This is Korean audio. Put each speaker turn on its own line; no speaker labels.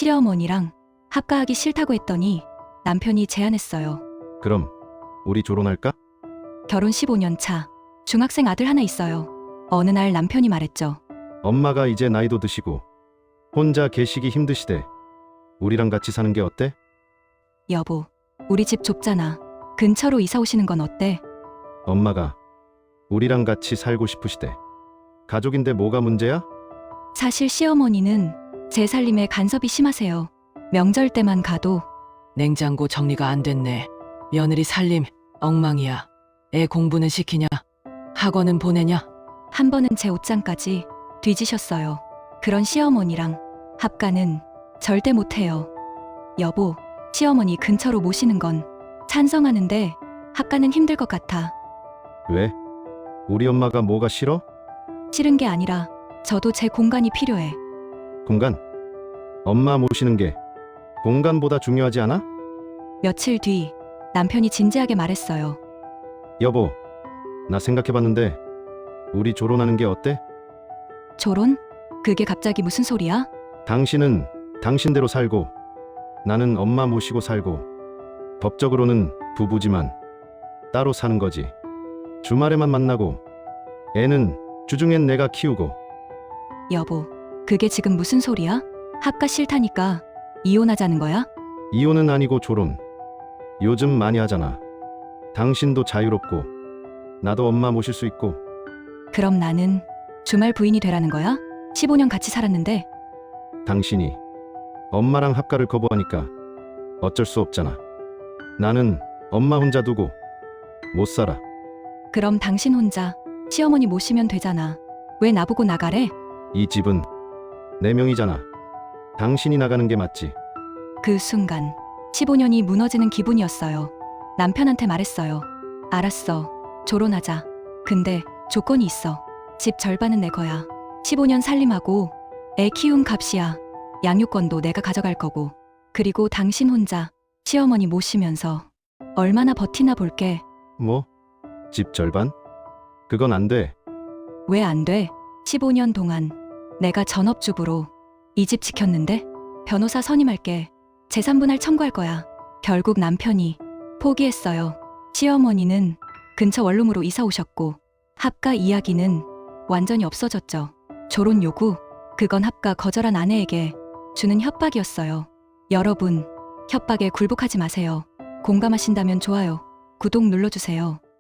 시어머니랑 합가하기 싫다고 했더니 남편이 제안했어요.
그럼 우리 결혼할까?
결혼 15년 차 중학생 아들 하나 있어요. 어느 날 남편이 말했죠.
엄마가 이제 나이도 드시고 혼자 계시기 힘드시대. 우리랑 같이 사는 게 어때?
여보, 우리 집 좁잖아. 근처로 이사 오시는 건 어때?
엄마가 우리랑 같이 살고 싶으시대. 가족인데 뭐가 문제야?
사실 시어머니는 제 살림에 간섭이 심하세요. 명절 때만 가도
냉장고 정리가 안 됐네. 며느리 살림 엉망이야. 애 공부는 시키냐? 학원은 보내냐?
한 번은 제 옷장까지 뒤지셨어요. 그런 시어머니랑 합가는 절대 못해요. 여보, 시어머니 근처로 모시는 건 찬성하는데 합가는 힘들 것 같아.
왜? 우리 엄마가 뭐가 싫어?
싫은 게 아니라 저도 제 공간이 필요해.
공간? 엄마 모시는 게 공간보다 중요하지 않아?
며칠 뒤 남편이 진지하게 말했어요.
여보, 나 생각해봤는데 우리 결혼하는 게 어때?
결혼? 그게 갑자기 무슨 소리야?
당신은 당신대로 살고 나는 엄마 모시고 살고 법적으로는 부부지만 따로 사는 거지. 주말에만 만나고 애는 주중엔 내가 키우고.
여보, 그게 지금 무슨 소리야? 합가 싫다니까 이혼하자는 거야?
이혼은 아니고 결혼. 요즘 많이 하잖아. 당신도 자유롭고 나도 엄마 모실 수 있고.
그럼 나는 주말 부인이 되라는 거야? 15년 같이 살았는데.
당신이 엄마랑 합가를 거부하니까 어쩔 수 없잖아. 나는 엄마 혼자 두고 못 살아.
그럼 당신 혼자 시어머니 모시면 되잖아. 왜 나보고 나가래?
이 집은 내 명이잖아. 당신이 나가는 게 맞지.
그 순간 15년이 무너지는 기분이었어요. 남편한테 말했어요. 알았어. 결혼하자. 근데 조건이 있어. 집 절반은 내 거야. 15년 살림하고 애 키운 값이야. 양육권도 내가 가져갈 거고. 그리고 당신 혼자 시어머니 모시면서 얼마나 버티나 볼게.
뭐? 집 절반? 그건 안 돼.
왜 안 돼? 15년 동안 내가 전업주부로 이 집 지켰는데? 변호사 선임할게. 재산분할 청구할 거야. 결국 남편이 포기했어요. 시어머니는 근처 원룸으로 이사 오셨고 합가 이야기는 완전히 없어졌죠. 결혼 요구, 그건 합가 거절한 아내에게 주는 협박이었어요. 여러분, 협박에 굴복하지 마세요. 공감하신다면 좋아요, 구독 눌러주세요.